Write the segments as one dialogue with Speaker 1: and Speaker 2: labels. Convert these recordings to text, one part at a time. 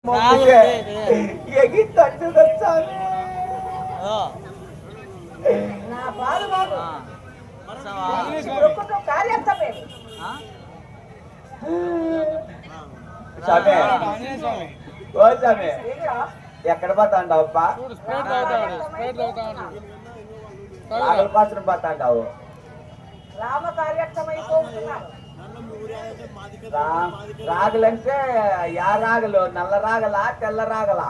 Speaker 1: నా బాలు బాబు
Speaker 2: ఎక్కడ పోతాండావు అప్ప ఆకలి కోసం పోతాండావు
Speaker 1: రామ కార్యక్రమైపోతున్నా
Speaker 2: రాగులంటే యా రాగలు నల్ల రాగలా తెల్ల రాగలా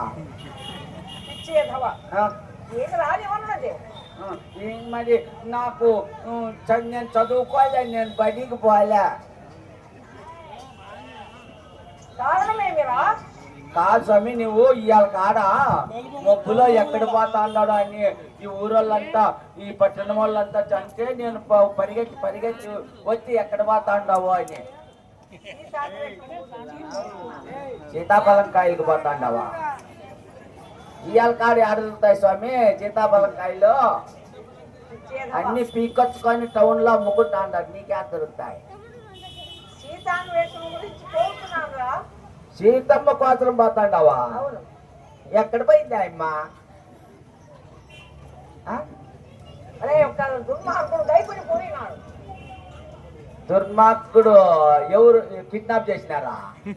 Speaker 2: మరి నాకు నేను చదువుకోలే నేను బడికి పోలే కాదు స్వామి నువ్వు ఇవాళ కాడ మబ్బులో ఎక్కడ పోతా అన్నాడు అని ఈ ఊరోళ్ళంతా ఈ పట్టణం వాళ్ళంతా చంటే నేను పరిగెత్తి వచ్చి ఎక్కడ పోతా అన్నావు అని సీతాఫలం కాయలకు పోతా అన్నావా ఇవాళ కాడ ఆడుతాయి స్వామి సీతాఫలం కాయలు అన్ని పీకొచ్చుకొని టౌన్ లో అమ్ముకుంటా అంటారు నీకే దొరుకుతాయి సీతమ్మ కోసం పోతాండావా ఎక్కడ పోయింది అమ్మ దుర్మార్గుడు ఎవరు కిడ్నాప్ చేసినారా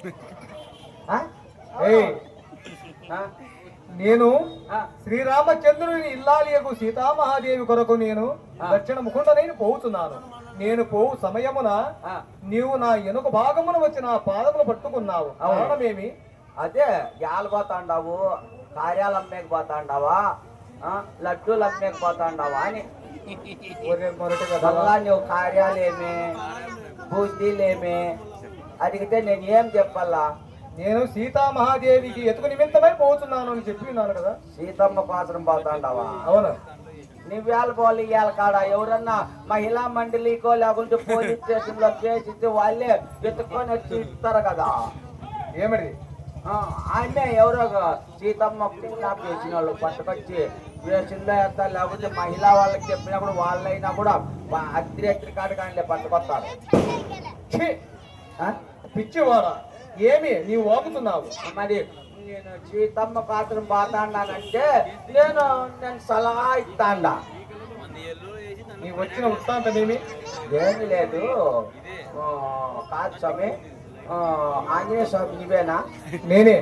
Speaker 3: నేను శ్రీరామచంద్రుని ఇల్లాలియకు సీతామహాదేవి కొరకు నేను దక్షిణ ముఖండనైన పోతున్నాను. నేను పోవు సమయమున నీవు నా వెనుక భాగమున వచ్చి నా పాదములు పట్టుకున్నావు. కారణమేమి?
Speaker 2: అదే యాలు పోతాండావు, కార్యాలు అమ్మేకపోతాండావా, లడ్డూలు అమ్మేకపోతాండావా అని నువ్వు కార్యాలేమి బుద్ధిలేమి అడిగితే నేను ఏం చెప్పాలా?
Speaker 3: నేను సీతామహాదేవికి ఎతుకు నిమిత్తమై పోతున్నాను అని చెప్పినాను కదా.
Speaker 2: సీతమ్మ పాత్రం పోతాండావా?
Speaker 3: అవును.
Speaker 2: నువ్వేళ పోలి ఇవాళ కాడ ఎవరన్నా మహిళా మండలికో లేకుంటే పోలీస్ స్టేషన్ లో కేసు వాళ్ళే ఎత్తుకొని వచ్చి ఇస్తారు కదా.
Speaker 3: ఏమిటి?
Speaker 2: ఆయనే ఎవరో సీతమ్మ కిడ్నాప్ చేసిన వాళ్ళు పట్టుకొచ్చి స్టేషన్లో వేస్తారు, లేకపోతే మహిళా వాళ్ళకి చెప్పినప్పుడు వాళ్ళైనా కూడా అర్ధరాత్రి కాడ కానీ పట్టుకొస్తారు.
Speaker 3: పిచ్చివారా ఏమి నీవు వాగుతున్నావు?
Speaker 2: మరి నేను సీతమ్మ పాత్రం పోతాండానంటే నేను సలహా ఇస్తాండా.
Speaker 3: నీవు వచ్చిన వృత్తాంతమేమి?
Speaker 2: ఏమి లేదు. కాదు స్వామి, ఆంజనేయ స్వామి నువ్వేనా?
Speaker 3: నేనే.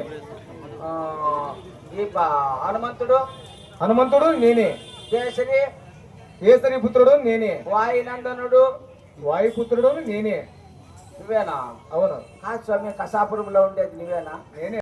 Speaker 2: ఈ హనుమంతుడు?
Speaker 3: హనుమంతుడు నేనే. కేసరి పుత్రుడు నేనే.
Speaker 2: వాయునందనుడు?
Speaker 3: వాయుపుత్రుడు నేనే.
Speaker 2: నువ్వేనా?
Speaker 3: అవును.
Speaker 2: కాదు స్వామి, కసాపురంలో ఉండేది నువ్వేనా?
Speaker 3: నేనే.